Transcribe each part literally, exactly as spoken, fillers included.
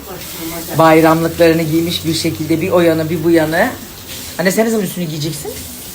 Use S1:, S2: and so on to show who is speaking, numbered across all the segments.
S1: Bayramlıklarını giymiş bir şekilde bir o yana bir bu yana. Anne sen ne zaman üstünü giyeceksin?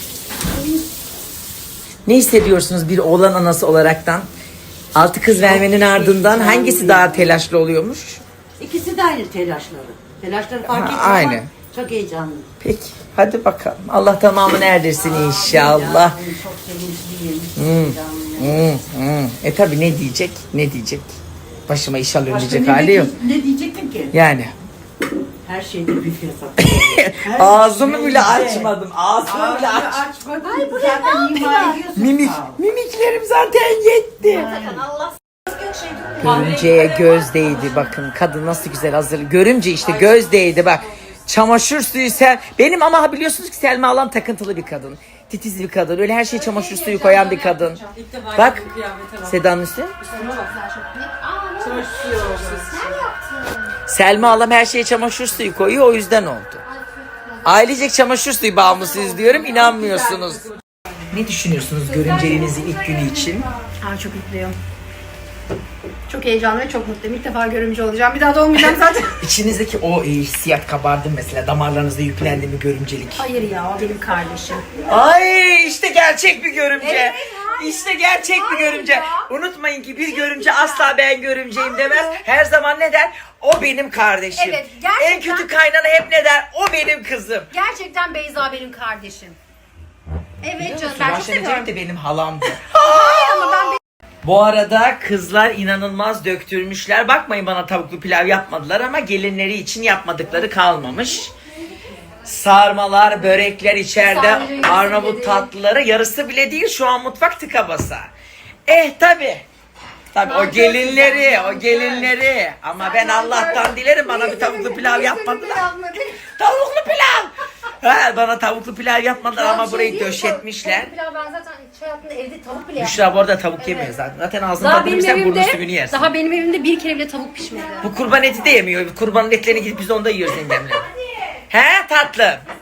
S1: Ne hissediyorsunuz bir oğlan anası olaraktan? Altı kız vermenin ardından hangisi daha telaşlı oluyormuş?
S2: İkisi de aynı telaşları. Telaşları fark etmiyor
S1: aynı.
S2: ama çok heyecanlı.
S1: Peki hadi bakalım. Allah tamamını erdirsin inşallah.
S2: Çok sevinçliyim.
S1: Hmm, hmm, hmm. E tabi ne diyecek? Ne diyecek? Başıma iş alıyor
S2: Başka
S1: diyecek
S2: ne,
S1: hali yok.
S2: ne diyecektim ki?
S1: Yani.
S2: Her şeyde bir fırsat.
S1: Ağzımı bile açmadım. Ağzımı bile aç.
S2: açmadım. Ay bu zaten ima ediyorsun.
S1: Mimik, mimiklerim zaten yetti.
S3: Allah
S1: Görümceye göz değdi bakın. Kadın nasıl güzel hazır. Görümce işte göz değdi bak. Çamaşır suyu sen. Benim ama biliyorsunuz ki Selma Alan takıntılı bir kadın. Titiz bir kadın. Öyle her şeye çamaşır suyu koyan bir kadın. Bak Seda'nın üstü. Selma Alam her şeye çamaşır suyu koyuyor o yüzden oldu. Ailecek çamaşır suyu bağımlısıyız diyorum inanmıyorsunuz. Ne düşünüyorsunuz görümceliğinizin ilk günü için?
S3: Aa, çok mutluyum. Çok heyecanlı ve çok mutluyum. İlk defa görümcü olacağım. Bir daha da olmayacağım zaten.
S1: İçinizdeki o e, hissiyat kabardı mesela damarlarınızda yüklendi mi görümcelik?
S3: Hayır ya, o benim kardeşim.
S1: Ay işte gerçek bir görümce.
S3: Evet,
S1: işte gerçek bir görümce.
S3: ya.
S1: Unutmayın ki bir görümce asla ben görümceyim demez. Her zaman ne der? O benim kardeşim.
S3: Evet, gerçekten-
S1: En kötü kaynana hep ne der? O benim kızım.
S3: Gerçekten Beyza benim kardeşim. Evet canım, ben çok
S1: Ayşe
S3: seviyorum.
S1: Necip de benim halamdı.
S3: Hayır ama ben
S1: Bu arada kızlar inanılmaz döktürmüşler. Bakmayın bana tavuklu pilav yapmadılar ama gelinleri için yapmadıkları kalmamış. Sarmalar, börekler içeride,
S3: Sadece yarısı
S1: Arnavut
S3: bile
S1: tatlıları yarısı bile değil. Şu an mutfak tıka basa. Eh tabi. Tabi o gelinleri, o gelinleri. Ama ben Allah'tan dilerim bana bir tavuklu pilav yapmadılar. Tavuklu pilav. Ha, bana tavuklu pilav yapmadılar ama burayı döşetmişler.
S3: Tavuk pilav ben zaten hiç hayatımda evde tavuk bile yapmadım.
S1: Büşra bu arada tavuk yemiyor zaten. Zaten ağzını
S3: Daha benim
S1: tadırırsan burnun
S3: evimde,
S1: suyunu yersin.
S3: daha benim evimde bir kere bile tavuk pişmedi.
S1: Bu kurban eti de yemiyor. Kurbanın etlerini gidip biz onda yiyoruz yengemle. He tatlım.